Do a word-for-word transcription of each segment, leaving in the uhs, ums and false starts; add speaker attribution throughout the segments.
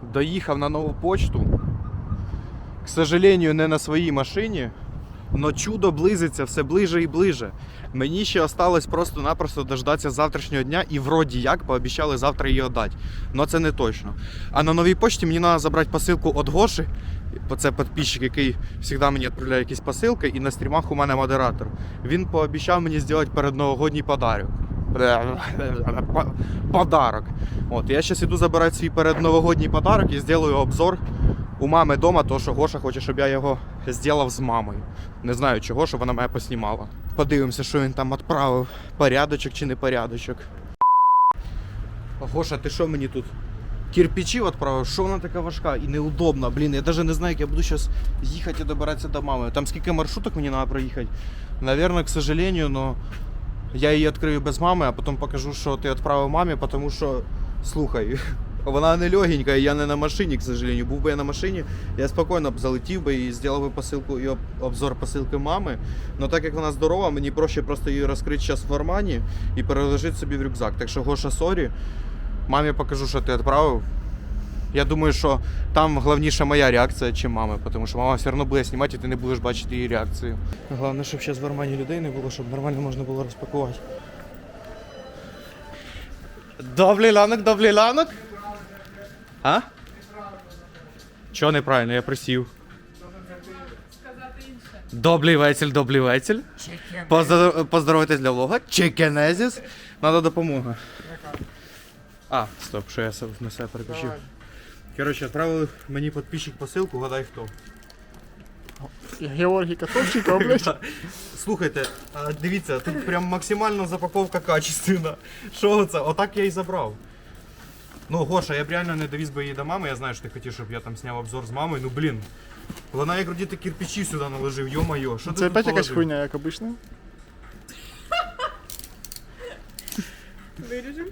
Speaker 1: доїхав на нову почту. К сожалению, не на своїй машині, но чудо близиться все ближе і ближе. Мені ще осталось просто-напросто дождатися завтрашнього дня і вроді як пообіцяли завтра її віддати. Но це не точно. А на новій почті мені треба забрати посилку від Гоші. Це підписчик, який завжди мені відправляє якісь посилки, і на стрімах у мене модератор. Він пообіцяв мені зробити передновогодній подарок. Подарок. От, я зараз іду забирати свій передновогодній подарок і зроблю обзор у мами вдома, тому що Гоша хоче, щоб я його зробив з мамою. Не знаю чого, щоб вона мене поснімала. Подивимося, що він там відправив. Порядочок чи не порядочок. Гоша, ти що мені тут? Кирпичі відправив? Що вона така важка і неудобна? Блін, я навіть не знаю, як я буду зараз їхати і добиратися до мами. Там скільки маршруток мені треба проїхати? Наверное, к сожалению, но я її відкрию без мами, а потім покажу, що ти відправив мамі, тому що, слухай, вона не легенька, і я не на машині, к сожалению. Був би я на машині, я спокійно б залетів би і зробив би посилку і обзор посилки мами. Но так як вона здорова, мені проще просто її розкрити зараз в кармані і переложити собі в рюкзак. Так що, Гоша, сорі, мамі покажу, що ти відправив. Я думаю, що там головніше моя реакція, чим мами, тому що мама все одно буде знімати, і ти не будеш бачити її реакцію. Головне, щоб зараз в кармані людей не було, щоб нормально можна було розпакувати. Добрий ранок, добрий ранок. А? Чого неправильно? Я присів. Добрий вечір, добрий вечір. Поздор... Поздоровайтесь для влога. Чекенезіс. Надо допомога. А, стоп, що я на себе переключив. Коротше, відправили мені підписчик посилку, гадай хто.
Speaker 2: Георгій Котовченко, блядь.
Speaker 1: Слухайте, дивіться, тут прям максимально запаковка качественна. Що це? Отак я і забрав. Ну, Гоша, я б реально не довіз би її до мами, я знаю, що ти хотів, щоб я там зняв обзор з мамою, ну блін. Вона як вроді ти кирпичі сюди наложив, йо-моє, що ти
Speaker 2: Це
Speaker 1: тут
Speaker 2: опять якась
Speaker 1: положив?
Speaker 2: хуйня, як обично.
Speaker 3: Виріжемо?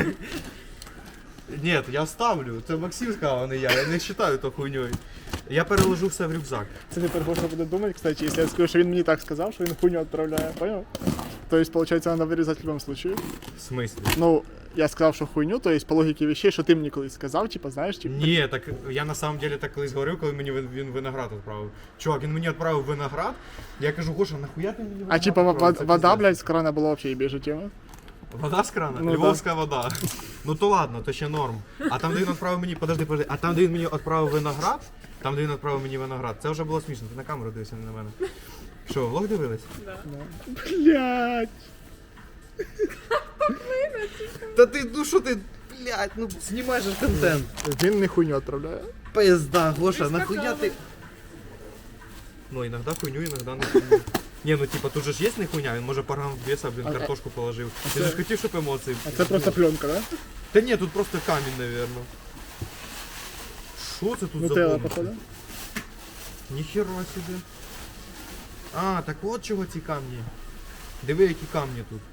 Speaker 1: Ні, я ставлю, це Максим сказав, а не я, я не вважаю то хуйньою. Я переложу все в рюкзак.
Speaker 2: Це тепер Гоша буде думати, кстати, якщо я скажу, що він мені так сказав, що він хуйню відправляє, понял? То есть, получается, надо вырезать в любом случае.
Speaker 1: В смислі?
Speaker 2: Ну, я сказав, що хуйню, то есть, по логіці вещей, що ти мені колись сказав, типа, знаєш, типа.
Speaker 1: Ні, так я на самом деле так колись говорив, коли мені він він виноград відправив. Чувак, він мені відправив виноград, я кажу, Гоша, нахуя ти мені виноград
Speaker 2: А типа
Speaker 1: відправив?
Speaker 2: вода,
Speaker 1: Це
Speaker 2: вода,
Speaker 1: пиздец.
Speaker 2: блядь, з крана була вообще ебежа тема.
Speaker 1: Вода з крана?
Speaker 2: Ну,
Speaker 1: Львовська вода. Ну то ладно, то ще норм. А там, де він відправив мені, подожди, подожди, а там, де він мені відправив виноград, там, де він відправив мені виноград, це вже було смішно, ти на камеру дивишся, не на мене. Що, влог дивились?
Speaker 2: Блядь.
Speaker 1: Та ти, ну що ти, блядь, ну знімаєш ж контент.
Speaker 2: Він не хуйню відправляє.
Speaker 1: Пизда, Гоша,
Speaker 3: Ви ж
Speaker 1: нахуя
Speaker 3: сказали.
Speaker 1: ты... Ну, иногда хуйню, иногда не хуйню. Не, ну типа, тут же ж есть не хуйня, він може паргам веса, блін,
Speaker 2: А-
Speaker 1: картошку положив.
Speaker 2: а
Speaker 1: Ти
Speaker 2: це-
Speaker 1: ж хотів, щоб емоції...
Speaker 2: А це просто пленка, да?
Speaker 1: Та ні, тут просто камінь, наверно. Що це тут за
Speaker 2: Нутелла,
Speaker 1: бомба?
Speaker 2: походу.
Speaker 1: Ніхера собі. А, так от чого ці камні. Диви, які камні тут.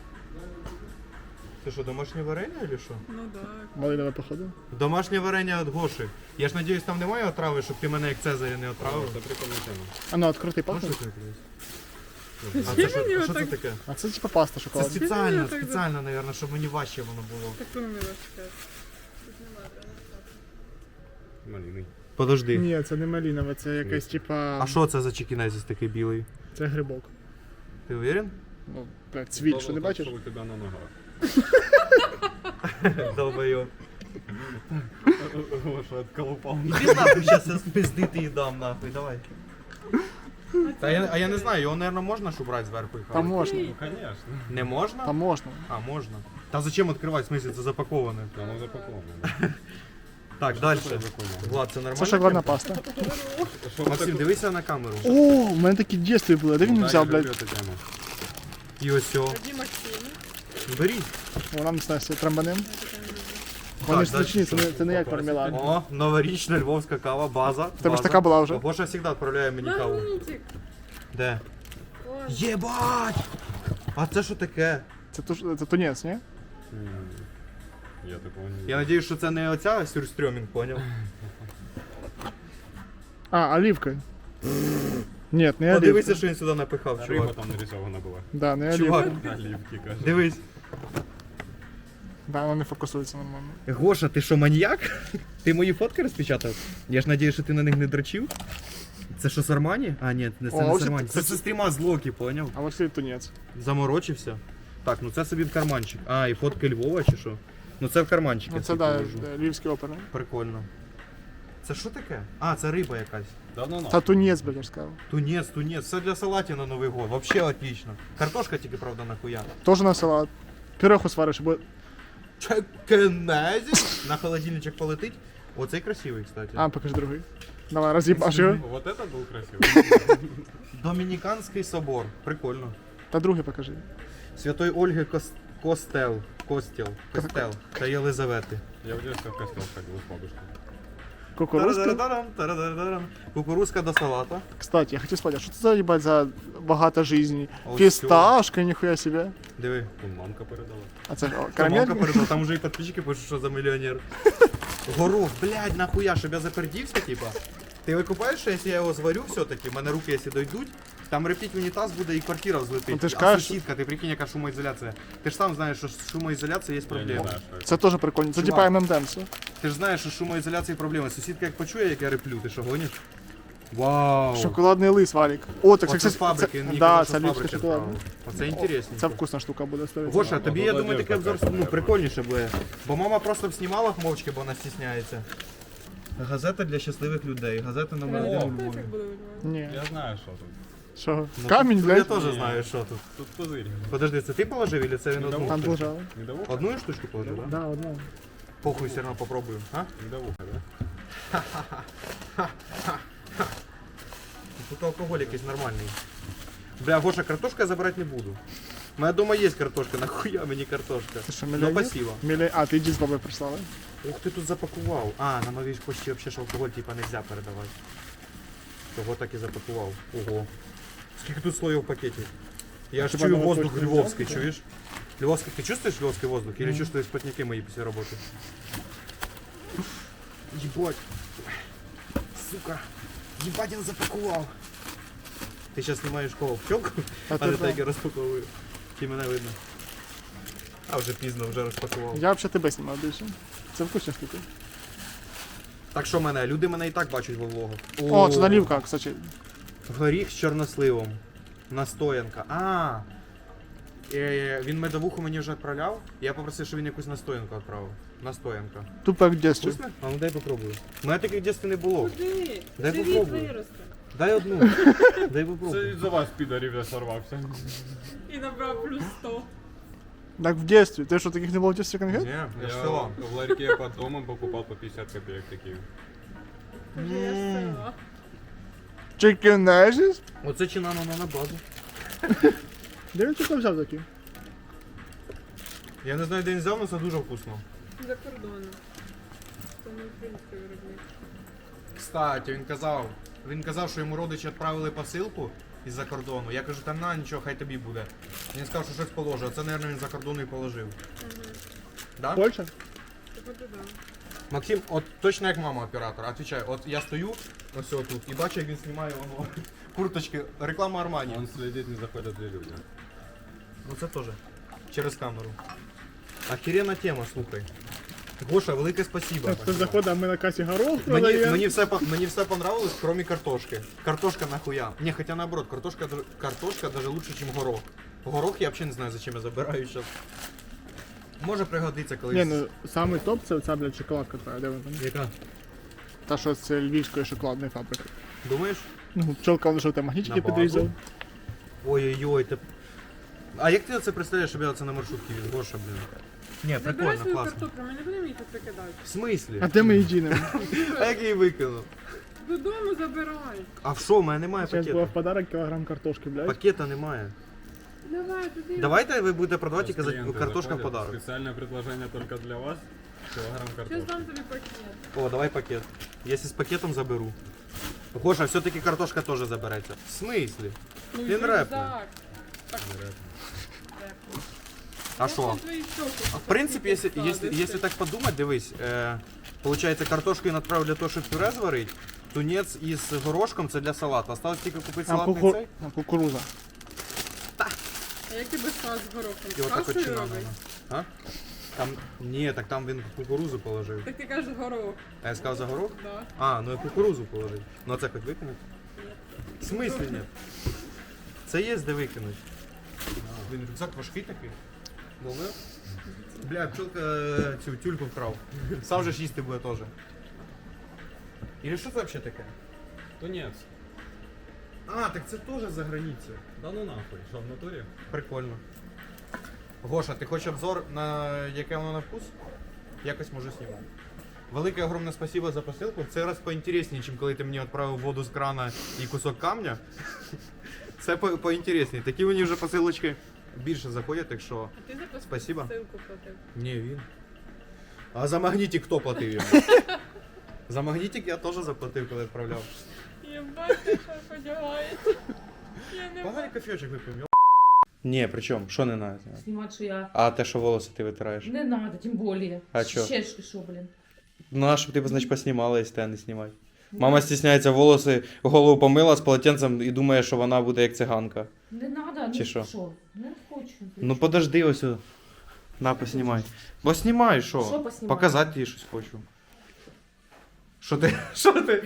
Speaker 1: Це що, домашнє варення чи що?
Speaker 3: Ну так.
Speaker 2: Малинове, походу.
Speaker 1: Домашнє варення від Гоші. Я ж надіюсь, там немає отрави, щоб ти мене як Цезаря не отравив.
Speaker 4: Це прикольна тема.
Speaker 2: А ну, відкрутий
Speaker 1: Можеш
Speaker 2: пахне.
Speaker 1: відкрити? А це що,
Speaker 3: мені
Speaker 1: а що це
Speaker 3: отак?
Speaker 1: таке?
Speaker 2: А це типа паста
Speaker 1: Це
Speaker 2: шоколадна.
Speaker 1: спеціально,
Speaker 3: так,
Speaker 1: спеціально, наверное, щоб мені важче воно було.
Speaker 3: Так воно мені важке.
Speaker 4: Малиний.
Speaker 1: Подожди.
Speaker 2: Ні, це не малинове, це якась типа.
Speaker 1: А що це за чекінезіс такий білий?
Speaker 2: Це грибок.
Speaker 1: Ти уверен?
Speaker 2: Ну, блядь, цвіт, що не бачиш?
Speaker 4: Що у тебе на ногах?
Speaker 1: Долбойоб.
Speaker 4: Гоша отколупав.
Speaker 1: Іди нахуй, зараз я спиздити і дам нахуй, давай. Та я, а я не знаю, його, наверное, можна ж убрати зверху і
Speaker 2: Там
Speaker 1: хавати?
Speaker 2: можна.
Speaker 4: Ну, конечно.
Speaker 1: Не можна?
Speaker 2: Там можна.
Speaker 1: А, можна. Та зачем відкривати, в смысле, це запаковане.
Speaker 4: Воно запаковано.
Speaker 1: Так, далі.
Speaker 4: Що за хуйня?
Speaker 1: Влад, це нормально?
Speaker 2: Це шоколадна паста.
Speaker 4: Що
Speaker 1: Максим, дивися на камеру.
Speaker 2: О, у мене такі дійстві були, де він їх взяв, блядь?
Speaker 4: тему.
Speaker 1: І ось о.
Speaker 3: Тоді Максим.
Speaker 1: Беріть.
Speaker 2: Вона не знає, трамбанем.
Speaker 1: Так,
Speaker 2: Вони ж
Speaker 1: дальше
Speaker 2: смачні, це
Speaker 1: що?
Speaker 2: не, це не як мармелад.
Speaker 1: О, новорічна львовська кава, база.
Speaker 2: В тебе ж
Speaker 1: база.
Speaker 2: така була вже.
Speaker 1: Гоша завжди відправляє мені каву.
Speaker 3: Магнітик.
Speaker 1: Де?
Speaker 3: Ой.
Speaker 1: Єбать! А це що таке?
Speaker 2: Це, туш... це тунець, ні?
Speaker 4: М, Я такого не
Speaker 1: Я надіюсь, що це не оця сюрстрьомінг, поняв?
Speaker 2: А, оливка. Ні, не
Speaker 1: Подивися,
Speaker 2: оливка.
Speaker 1: що він сюди напихав,
Speaker 4: Риба
Speaker 1: чувак.
Speaker 4: там нарисована була.
Speaker 2: Да, не
Speaker 1: Чувак.
Speaker 2: оливка.
Speaker 4: Оливки, каже.
Speaker 1: Дивись.
Speaker 2: Да, воно не фокусується нормально.
Speaker 1: Гоша, ти що, маньяк? Ти мої фотки розпечатав? Я ж надію, що ти на них не дрочив. Це що, з Армані? А, ні, не це
Speaker 2: О,
Speaker 1: не з
Speaker 2: ось
Speaker 1: Армані.
Speaker 2: це-
Speaker 1: Це з стріма з Локі, поняв?
Speaker 2: А ось цей тунець.
Speaker 1: Заморочився. Так, ну це собі в карманчик. А, і фотки Львова чи що? Ну це в карманчик.
Speaker 2: Ну
Speaker 1: я
Speaker 2: це
Speaker 1: собі
Speaker 2: да,
Speaker 1: положу.
Speaker 2: да, львівський оперний.
Speaker 1: Прикольно. Це що таке? А, це риба якась.
Speaker 4: Да ну
Speaker 2: Та тунець, блядь, я ж сказав.
Speaker 1: Тунець, тунець, все для салатів на Новий год. Вообще отлично. Картошка тільки, правда, нахуя.
Speaker 2: Тоже на салат. Піроху свариш, бо
Speaker 1: Чекенезі. На холодильничок полетить. Оцей красивий, кстати.
Speaker 2: А, покажи другий. Давай, роз'їбаш його.
Speaker 4: Вот это был красивый.
Speaker 1: Домініканський собор. Прикольно.
Speaker 2: Та другий покажи.
Speaker 1: Святої Ольги Кос... Костел. Костел. Костел. Та Єлизавети.
Speaker 4: Я в детстве в костел ходил с бабушкой.
Speaker 2: Кукурузка.
Speaker 1: Тарадарам, тарадарам. Кукурузка до салата.
Speaker 2: Кстати, я хотів спитати, а що це за, їбать, за багато жизни?
Speaker 1: Ось
Speaker 2: Фісташка, ніхуя себе.
Speaker 1: Диви.
Speaker 4: Тут мамка передала.
Speaker 2: А це о,
Speaker 1: Та мамка
Speaker 2: карамелька?
Speaker 1: передала, там уже і підписчики пишуть, що за мільйонер. Горох, блядь, нахуя, щоб я запердівся, типа. Ти викупаєш, що якщо я його зварю все-таки, в мене руки, якщо дойдуть, там репіть в унітаз буде і квартира взлетить.
Speaker 2: Ну, ти ж
Speaker 1: а
Speaker 2: кажеш-
Speaker 1: сусідка, ти прикинь, яка шумоізоляція. Ти ж сам знаєш, що з шумоізоляцією є
Speaker 4: Я не
Speaker 1: проблема.
Speaker 4: знаю, что это.
Speaker 2: Це теж прикольно. Це
Speaker 1: Чувак.
Speaker 2: типа ем ем Dance.
Speaker 1: Ти ж знаєш, що з шумоізоляцією проблема. Сусідка як почує, як я реплю, ти що гониш? Вау!
Speaker 2: Шоколадний лист, Валік. О, так
Speaker 1: Оце
Speaker 2: це,
Speaker 1: з фабрики, він мені
Speaker 2: да,
Speaker 1: казав,
Speaker 2: це
Speaker 1: що з
Speaker 2: ліпська
Speaker 1: фабрики
Speaker 2: шоколадна.
Speaker 1: справа. Оце інтересно.
Speaker 2: Це вкусна штука буде ставити.
Speaker 1: Гоша, тобі, я
Speaker 4: Молодець,
Speaker 1: думаю, таке обзор
Speaker 4: така,
Speaker 1: ну,
Speaker 4: я
Speaker 1: прикольніше буде. Бо мама просто б знімала мовчки, бо вона стісняється. Газета для щасливих людей. Газета номер один у Львові.
Speaker 2: Ні.
Speaker 4: Я знаю, что тут.
Speaker 2: Що?
Speaker 1: Ну,
Speaker 2: Камінь,
Speaker 1: тут Я
Speaker 2: блядь?
Speaker 1: теж
Speaker 4: Ні.
Speaker 1: знаю, що тут.
Speaker 4: Тут пузырь.
Speaker 1: Подожди, це ти положив, или це він одну?
Speaker 2: Там
Speaker 1: штучку?
Speaker 2: лежало.
Speaker 4: Медовуха?
Speaker 1: Одну штучку положив, так? Да?
Speaker 2: Да, одна.
Speaker 1: Похуй, все одно попробую. А?
Speaker 4: Медовуха, да?
Speaker 1: Тут алкоголь якийсь нормальний. Бля, Гоша, картошку я забирати не буду. У мене дома є картошка, нахуя мені картошка?
Speaker 2: Ти що,
Speaker 1: Ну,
Speaker 2: мільйонер?
Speaker 1: спасибо.
Speaker 2: Мілі... А, ти йди з бабою прислали?
Speaker 1: Ух ти тут запакував. А, на новій почті взагалі ж алкоголь типа нельзя передавати. Того так і запакував. Ого. Скільки тут слоїв в пакеті? Я аж
Speaker 2: Хіба
Speaker 1: чую
Speaker 2: на
Speaker 1: воздух
Speaker 2: точку не
Speaker 1: львовський,
Speaker 2: взяв?
Speaker 1: чуєш? Львовський, ти чувствуєш львовський воздух? Или чувствуєш спотняки мої після роботи? Єбать. Сука. Єбать, він запакував. Ти зараз знімаєш кого? Пчелку?
Speaker 2: А
Speaker 1: А
Speaker 2: ти
Speaker 1: не
Speaker 2: да.
Speaker 1: так я розпаковую. Чи мене видно? А вже пізно, вже розпакував.
Speaker 2: Я взагалі тебе знімав більше. Це вкусна штука.
Speaker 1: Так що мене? Люди мене і так бачать во влогах.
Speaker 2: О, це налівка, кстати.
Speaker 1: Горіх з чорносливом. Настоянка. А. Е, він медовуху мені вже відправляв. Я попросив, щоб він якусь настоянку відправив. Настоянка.
Speaker 2: Тупо як в дєстві.
Speaker 1: Вкусно? А ну дай попробую. У мене таких в дітстві не було.
Speaker 3: Куди?
Speaker 1: Дай
Speaker 3: Живіт
Speaker 1: попробую.
Speaker 3: виросте.
Speaker 1: Дай одну. Дай
Speaker 4: Це
Speaker 1: попробую.
Speaker 4: із-за вас, підарів, я сорвався.
Speaker 3: І набрав плюс сто.
Speaker 2: Так в дєстві. Ти що, таких не було в дєстві конфет?
Speaker 1: Ні, я ж
Speaker 4: Я
Speaker 1: села.
Speaker 4: в ларьке под домом покупал по пятьдесят копеек такие.
Speaker 3: Каже, я з села.
Speaker 2: Chicken Nuggies?
Speaker 1: Оце чи на на базу.
Speaker 2: Де він тільки взяв такі?
Speaker 1: Я не знаю, де він взяв, але це дуже вкусно.
Speaker 3: За кордоном. Це не український виробник.
Speaker 1: Кстати, він казав, він казав, що йому родичі відправили посилку із-за кордону. Я кажу, та на нічого, хай тобі буде. Він сказав, що щось положив. Оце, мабуть, він за кордону і положив. Да?
Speaker 2: Польща?
Speaker 3: Так от і да.
Speaker 1: Максим, от точно як мама оператора, отвечаю, от я стою ось тут і бачу, як він знімає воно курточки, реклама Армані.
Speaker 4: Он следит, не заходят ли люди.
Speaker 1: Ну це теж. Через камеру. Охеренна тема, слухай. Гоша, велике спасибо.
Speaker 2: Хтось заходить, а ми на касі горох
Speaker 1: Мені,
Speaker 2: продаємо.
Speaker 1: мені, все, по- мені все понравилось, кроме картошки. Картошка нахуя. Не, хотя наоборот, картошка, д- картошка даже лучше, чем горох. Горох я вообще не знаю, зачем я забираю сейчас. Може пригодиться колись.
Speaker 2: Ні, ну самий топ це оця, блядь, шоколадка твоя, де вона там?
Speaker 1: Яка?
Speaker 2: Та що це львівської шоколадної фабрики.
Speaker 1: Думаєш?
Speaker 2: Ну, пчелка лише там магнітики
Speaker 1: На базу.
Speaker 2: підрізав.
Speaker 1: Ой-ой-ой, ти... А як ти це представляєш, щоб я це на маршрутці від Гоша, блін? Ні,
Speaker 3: Забирай
Speaker 1: прикольно,
Speaker 3: свою
Speaker 1: класно.
Speaker 3: картоплю, ми не будемо її тут викидати.
Speaker 1: В смислі?
Speaker 2: А де ми її дінемо?
Speaker 1: А як я її викинув?
Speaker 3: Додому забирай.
Speaker 1: А в що, у мене немає
Speaker 2: Зараз була в
Speaker 1: пакета?
Speaker 2: подарок кілограм картошки, блядь.
Speaker 1: Пакета немає.
Speaker 3: Давай, туди.
Speaker 1: Давайте ви будете продавати тільки за
Speaker 4: Клиенты
Speaker 1: картошка в
Speaker 4: заходят,
Speaker 1: подарок.
Speaker 4: Специальное предложение только для вас. Килограмм
Speaker 3: Щас
Speaker 4: картошки.
Speaker 3: дам тобі пакет.
Speaker 1: О, давай пакет. Если с пакетом заберу. Гоша, все-таки картошка тоже заберется. В смысле?
Speaker 3: Ну,
Speaker 1: Він
Speaker 3: і
Speaker 1: репне.
Speaker 3: рюкзак.
Speaker 4: Вероятно.
Speaker 3: Репне.
Speaker 1: А що?
Speaker 3: Я твої щоки
Speaker 1: В принципе, если,
Speaker 3: покажу,
Speaker 1: если,
Speaker 3: десь
Speaker 1: если так подумать, дивись, э, получается, картошку я направив для того, щоб пюре зварити, тунець із горошком це для салату. Осталось тільки купити
Speaker 2: А,
Speaker 1: салатний
Speaker 2: куку...
Speaker 1: цей.
Speaker 2: а кукуруза.
Speaker 3: А як ти без сала з горохом?
Speaker 1: І отак от
Speaker 3: Кашею
Speaker 1: чинано.
Speaker 3: робиш?
Speaker 1: А? Там, ні, так там він кукурузу положив.
Speaker 3: Так ти кажеш горох.
Speaker 1: А я сказав за горох?
Speaker 3: Да.
Speaker 1: А, ну я кукурузу положив. Ну а це хоч викинуть? В смислі ні? Це є де викинуть. Блін, рюкзак важкий такий. Ловив? Бля, пчелка е, цю тюльку вкрав. Сам же ж їсти буде теж. І що це взагалі таке?
Speaker 4: Тунец.
Speaker 1: А, так це теж за границею.
Speaker 4: Да ну нахуй, що в натурі?
Speaker 1: Прикольно. Гоша, ти хочеш обзор на яке воно на вкус? Якось можу знімати. Велике огромне спасибо за посилку. Це раз поінтересніше, ніж коли ти мені відправив воду з крана і кусок камня. Це по- поінтересніше. Такі мені вже посилочки більше заходять, так що
Speaker 3: А ти за
Speaker 1: Спасибо.
Speaker 3: посилку платив?
Speaker 1: ні, він. А за магнітик хто платив йому? За магнітик я теж заплатив, коли відправляв.
Speaker 3: Єбать, ти що подягаєш? Я не
Speaker 1: Погано кофейочок випив. Ні, при чому? Що не треба?
Speaker 5: Снимать, что я...
Speaker 1: А те, що волоси ти витираєш?
Speaker 5: Не надо, тем более.
Speaker 1: А чё?
Speaker 5: Щечки, шо, блин.
Speaker 1: Ну, а щоб ти, значить, поснімала, якщо тебе не знімати. Мама стісняється волоси, голову помила з полотенцем і думає, що вона буде як циганка.
Speaker 5: Не надо,
Speaker 1: Чи
Speaker 5: ну
Speaker 1: що?
Speaker 5: шо? Не хочу.
Speaker 1: Ну подожди ось. о. На, поснімай. Бо знімай, що?
Speaker 5: Що поснімати?
Speaker 1: Показати їй щось хочу. Що ти? Що ти?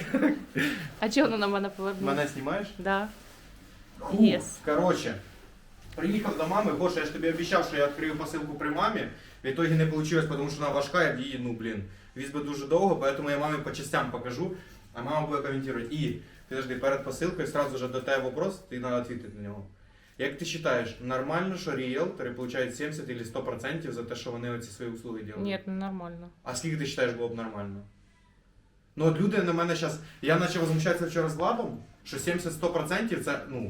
Speaker 5: А чого воно на мене повернуло?
Speaker 1: Мене знімаєш?
Speaker 5: Да.
Speaker 1: Фу,
Speaker 5: Yes.
Speaker 1: Короче, приїхав до мами, Гоша, я ж тобі обіцяв, що я відкрию посилку при мамі. В итоге не вийшло, тому що вона важка, я в її, ну блін, віз би дуже довго, поэтому я мамі по частям покажу, а мама буде коментувати. І, підожди, перед посилкою сразу же до тебе вопрос, ти треба відповідати на нього. Як ти вважаєш, нормально, що ріелтори получають сімдесят или сто процентів за те, що вони оці свої услуги роблять?
Speaker 5: Нет, ну нормально.
Speaker 1: А скільки ти вважаєш було б нормально? Ну от люди на мене зараз, я почав возмущатися вчора з Владом, що сімдесят-сто процентів це, ну,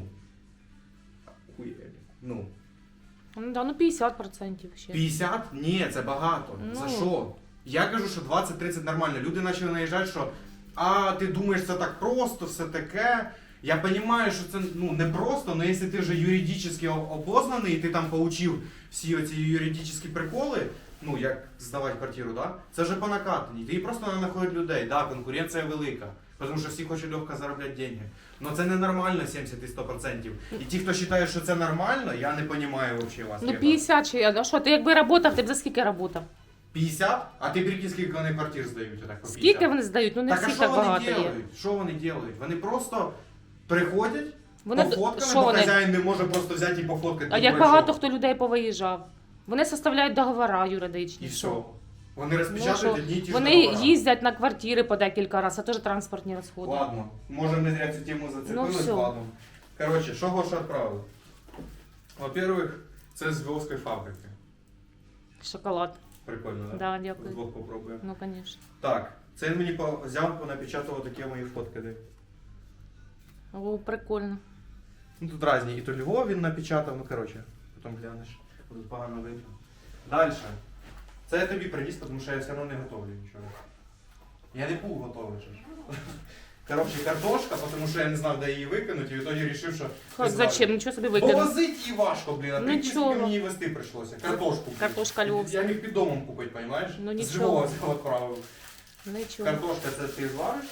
Speaker 1: хуєлі. Ну,
Speaker 5: Ну да, ну пятьдесят процентов ще.
Speaker 1: п'ятдесят? Ні, це багато.
Speaker 5: Ну.
Speaker 1: За що? Я кажу, що двадцять-тридцять нормально. Люди почали наїжджати, що а ти думаєш, це так просто, все таке. Я розумію, що це ну, не просто, але якщо ти вже юридично обознаний, і ти там получив всі оці юридичні приколи, ну, як здавати квартиру, да? Це вже по накатанні. Ти просто не знаходить людей. Да, конкуренція велика. Тому що всі хочуть легко заробляти гроші. Але це ненормально сімдесят і сто процентів. І ті, хто вважає, що це нормально, я не розумію взагалі вас.
Speaker 5: Ну
Speaker 1: ребят.
Speaker 5: пятьдесят чи я, ну що, ти якби работав, ти б за скільки работав?
Speaker 1: п'ятдесят? А ти прикинь, скільки вони квартир здають? Отак, по
Speaker 5: Скільки
Speaker 1: п'ятдесят?
Speaker 5: вони здають? Ну не
Speaker 1: Так, а
Speaker 5: всі
Speaker 1: що
Speaker 5: так
Speaker 1: вони
Speaker 5: багато є.
Speaker 1: роблять? Що вони роблять? Вони просто приходять,
Speaker 5: Вони,
Speaker 1: пофоткали,
Speaker 5: що
Speaker 1: бо
Speaker 5: вони?
Speaker 1: хазяїн не може просто взяти і пофоткати.
Speaker 5: А
Speaker 1: Ну,
Speaker 5: як
Speaker 1: про
Speaker 5: багато
Speaker 1: що?
Speaker 5: хто людей повиїжджав? Вони составляють договори юридичні.
Speaker 1: І
Speaker 5: що?
Speaker 1: все. Вони
Speaker 5: Ну,
Speaker 1: розпечатають
Speaker 5: що?
Speaker 1: одні й ті ж
Speaker 5: Вони
Speaker 1: договори.
Speaker 5: їздять на квартири по декілька разів, а теж транспортні розходи.
Speaker 1: Ладно, може не зря цю тему зацепились,
Speaker 5: Ну, всё.
Speaker 1: ладно. Короче, що Гоша відправив? Во-первых, це з Львовської фабрики.
Speaker 5: Шоколад.
Speaker 1: Прикольно, так?
Speaker 5: Да, дякую.
Speaker 1: Двох попробуємо.
Speaker 5: Ну, звісно.
Speaker 1: Так, це він мені по- взяв, понапечатував такі мої фотки. Де.
Speaker 5: О, прикольно.
Speaker 1: Ну тут різні. І то Львов він напечатав, ну коротше, потім глянеш. Тут погано видно. Далі. Це я тобі приніс, тому що я все одно не готовлю нічого. Я не був готовий. же ж. Коротше, картошка, тому що я не знав, де її викинути, і в ітогі вирішив, що...
Speaker 5: Хоч зачем? Нічого собі
Speaker 1: Бо
Speaker 5: викинув.
Speaker 1: возити її важко, блін, а
Speaker 5: Ну,
Speaker 1: прикинь, скільки
Speaker 5: чого?
Speaker 1: мені її везти прийшлося. Картошку. блін.
Speaker 5: Картошка львовська.
Speaker 1: Я міг під домом купити, розумієш?
Speaker 5: Ну,
Speaker 1: З
Speaker 5: нічого.
Speaker 1: Львова це відправив.
Speaker 5: Нічого.
Speaker 1: Картошка це ти звариш?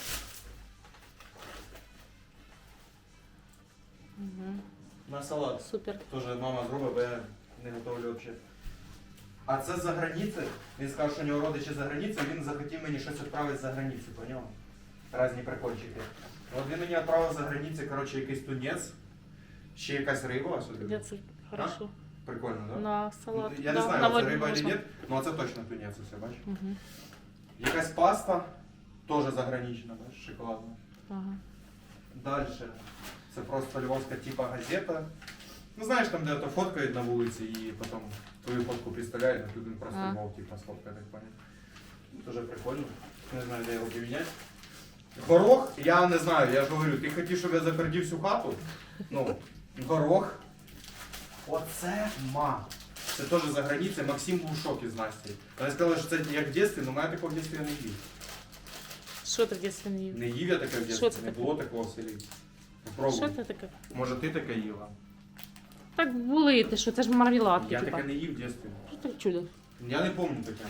Speaker 5: Угу.
Speaker 1: На салат.
Speaker 5: Супер.
Speaker 1: Тоже мама зробить, бо я не готовлю взагалі. А це за границі. Він сказав, що у нього родичі за границею, він захотів мені щось відправити за границю, поняв? Разні прикольчики. От він мені відправив за границі, коротше, якийсь тунець, ще якась риба сюди.
Speaker 5: Я це хорошо.
Speaker 1: Прикольно, так? Да?
Speaker 5: На салат.
Speaker 1: Я
Speaker 5: да,
Speaker 1: не знаю,
Speaker 5: на
Speaker 1: це
Speaker 5: воді
Speaker 1: риба чи
Speaker 5: можна.
Speaker 1: ні, але це точно тунець, усе, бачиш?
Speaker 5: Угу.
Speaker 1: Якась паста, теж загранична, бачиш, шоколадна.
Speaker 5: Ага.
Speaker 1: Дальше. Це просто львовська типа газета. Ну знаєш, там де то фоткають на вулиці і потім твою фотку представляють, а тут він просто
Speaker 5: А.
Speaker 1: Львов типа сфоткає, так понял. Дуже прикольно. Не знаю, де його поміняти. Горох, я не знаю, я ж говорю, ти хотів, щоб я запердів всю хату? Ну, горох. Оце ма. Це теж за границею. Максим був в шокі з Настю. Вони сказали, що це як в дитинстві, але мене такого в дитинстві я не їв.
Speaker 5: Що ти в дитинстві не їв?
Speaker 1: Не їв я таке в
Speaker 5: Що
Speaker 1: дитинстві,
Speaker 5: це
Speaker 1: не
Speaker 5: таке?
Speaker 1: було такого в селі.
Speaker 5: Що
Speaker 1: Попробуй.
Speaker 5: це таке?
Speaker 1: Може ти таке їла?
Speaker 5: Так були ти, що це ж мармеладки,
Speaker 1: Я
Speaker 5: типа.
Speaker 1: таке не їв в дитинстві.
Speaker 5: Що таке чудо?
Speaker 1: Я не пам'ятаю таке.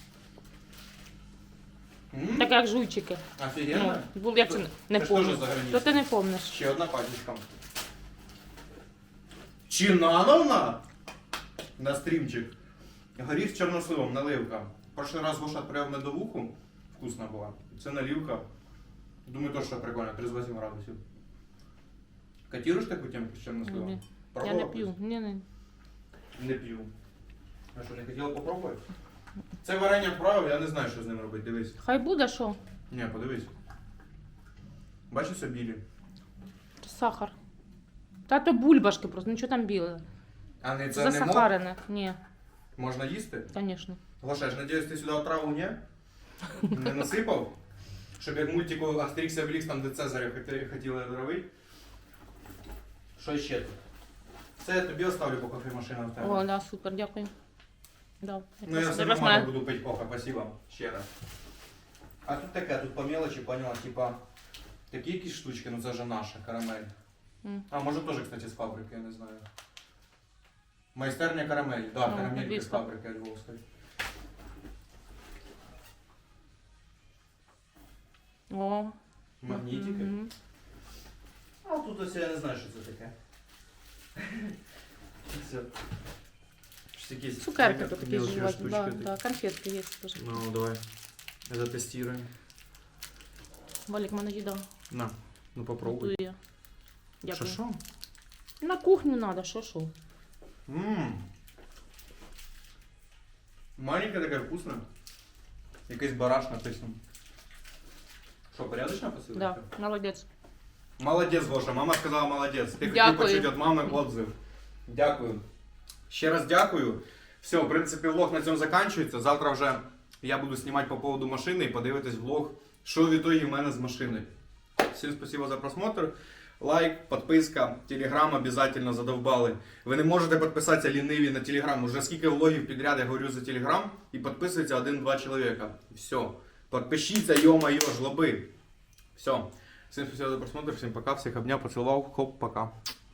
Speaker 1: М?
Speaker 5: Так як жуйчики.
Speaker 1: Офігенно?
Speaker 5: Ну, були, як це не
Speaker 1: Це ж теж
Speaker 5: помню.
Speaker 1: за границею.
Speaker 5: То ти не помниш.
Speaker 1: Ще одна пачечка. Чинановна? На стрімчик. Горіх з чорносливом, наливка. Прошлый раз Гоша отправив медовуху, вкусна була. Це наливка. Думаю, теж що прикольно, тридцять вісім градусів. Котируєш таку темку з чорносливом?
Speaker 5: Ні. Я
Speaker 1: Пробувала
Speaker 5: не п'ю. Ні, ні.
Speaker 1: Не п'ю. А що, не хотіла попробувати? Це варення вправив, я не знаю, що з ним робити, дивись.
Speaker 5: Хай буде що?
Speaker 1: Ні, подивись. Бачиш, все білі.
Speaker 5: Сахар. Та то бульбашки просто, нічого там біле.
Speaker 1: А не це не мох?
Speaker 5: Засахарене. Ні,
Speaker 1: Можна їсти?
Speaker 5: звісно.
Speaker 1: Гоша, я ж надіюсь, ти сюди отраву не? Не насипав? Щоб як мультику Астерікс і Обелікс, там де Цезаря хоти- хотіли отравити. Що ще тут? Це я тобі оставлю, поки кофемашина в тебе.
Speaker 5: О, да, супер, дякую. Да.
Speaker 1: Ну я все
Speaker 5: Якраз
Speaker 1: нормально
Speaker 5: мене-
Speaker 1: буду пити кофе, спасибо. Ще раз. А тут таке, тут по мелочі, поняла, типа, такі якісь штучки, ну це вже наша, карамель.
Speaker 5: М.
Speaker 1: А, може теж, кстати, з фабрики, я не знаю. Майстерня карамель, да,
Speaker 5: Ну,
Speaker 1: карамельки з
Speaker 5: львівська.
Speaker 1: фабрики Львовської.
Speaker 5: О.
Speaker 1: Магнітики.
Speaker 5: Мгм.
Speaker 1: А тут ось я не знаю, що це таке. Це щось якісь
Speaker 5: Цукерки тут такі
Speaker 1: мелочі
Speaker 5: жувати.
Speaker 1: штучки
Speaker 5: Да,
Speaker 1: такі.
Speaker 5: да, конфетки є теж.
Speaker 1: Ну, давай. Затестируем.
Speaker 5: Валік, мене їда.
Speaker 1: На, ну попробуй.
Speaker 5: Готує.
Speaker 1: Що,
Speaker 5: Дякую.
Speaker 1: що?
Speaker 5: На кухню треба, що що.
Speaker 1: Ммм. Маленькая такая вкусная. Якийсь бараш написано. Що, порядочна посилочка?
Speaker 5: Да, молодець.
Speaker 1: Молодець, Гоша, мама сказала молодець. Ти хотів
Speaker 5: Дякую.
Speaker 1: почути від мами отзыв. Дякую. Ще раз дякую. Все, в принципі, влог на цьому закінчується. Завтра вже я буду знімати по поводу машини і подивитись влог, що в ітогі в мене з машиною. Всім спасибо за просмотр. Лайк, підписка, телеграм обов'язково задовбали. Ви не можете підписатися ліниві на телеграм. Уже скільки влогів підряд я говорю за телеграм і підписується один-два чоловіка. Все. Підпишіться, йо-моє, жлоби. Все. Всім спасибо за просмотр, всім пока, всіх обняв, поцілував, хоп, пока.